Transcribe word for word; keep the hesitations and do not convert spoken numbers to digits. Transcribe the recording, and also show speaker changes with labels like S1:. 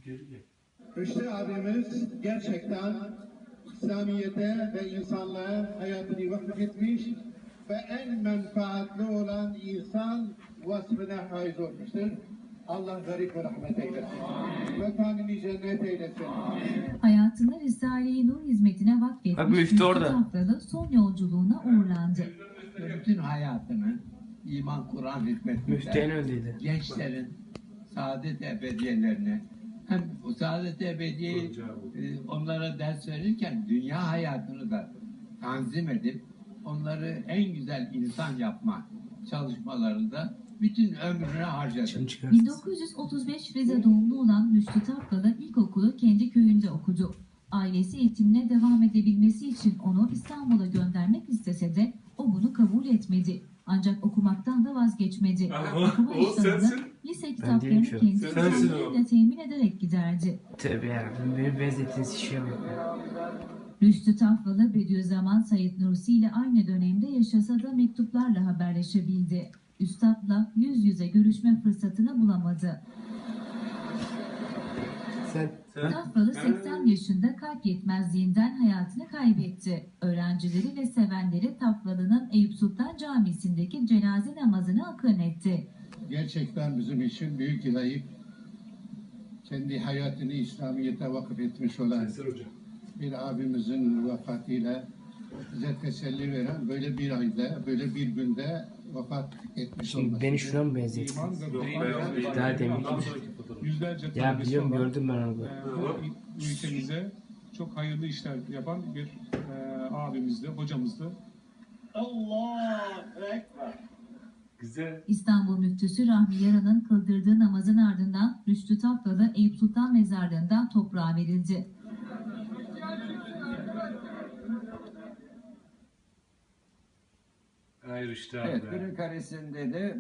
S1: Rüştü abimiz gerçekten İslamiyet'e ve insanlığa hayatını vakıf etmiş ve en menfaatli olan insan vasfına haiz olmuştur. Allah garip ve rahmet eylesin. Mekanını cennet eylesin.
S2: Hayatını Risale-i Nur hizmetine
S3: Bak bu
S2: vakfetmiş
S3: ifti orada.
S2: Haftalı son yolculuğuna uğurlandı.
S4: Bütün hayatını iman, Kur'an
S3: Müftüyen
S4: hizmetinde
S3: öldüydü.
S4: gençlerin saadet ebediyelerini hem o saadet ebediyeyi e, onlara ders verirken dünya hayatını da tanzim edip onları en güzel insan yapma çalışmalarında bütün ömrünü harcadı.
S3: Şimdi çıkar.
S2: bin dokuz yüz otuz beş Rize doğumlu olan Rüştü Tafralı ilkokulu kendi köyünde okudu. Ailesi eğitimine devam edebilmesi için onu İstanbul'a göndermek istese de o bunu kabul etmedi. Ancak okumaktan da vazgeçmedi.
S5: Ama
S2: Okuma
S5: o
S2: iştahını
S5: sensin.
S2: lise
S3: değilim
S2: kitaplarını
S3: şu an.
S2: kendi
S5: Sensin o.
S2: elleriyle temin ederek giderdi.
S3: Tövbe yarabbim. Beni benzettiğiniz şişeye bak.
S2: Rüştü Tafralı Bediüzzaman Said Nursi ile aynı dönemde yaşasa da mektuplarla haberleşebildi. Üstad'la yüz yüze görüşme fırsatını bulamadı.
S3: Sen
S2: Tafralı seksen yaşında kalp yetmezliğinden hayatını kaybetti. Öğrencileri ve sevenleri Tafralı'nın Eyüp Sultan Camisi'ndeki cenaze namazını akın etti.
S1: Gerçekten bizim için büyük ilayip kendi hayatını İslamiyet'e vakıf etmiş olan bir abimizin vefatıyla bize teselli veren böyle bir ayda, böyle bir günde vefat etmiş
S3: Şimdi
S1: olması.
S3: beni şuna mı benzettin?
S1: İman ve Kur'an-
S3: Daha demin.
S5: Yüzlerce
S3: Ya
S5: talebesi
S3: biliyorum
S5: olan,
S3: gördüm ben onu.
S5: e, bu ülkemize çok hayırlı işler yapan bir e, abimizdi, hocamızdı. Güzel.
S2: İstanbul Müftüsü Rahmi Yaran'ın kıldırdığı namazın ardından Rüştü Tafralı Eyüp Sultan Mezarlığı'ndan toprağa verildi.
S5: Hayır işte
S4: Evet, Kırıkhanesi'nde de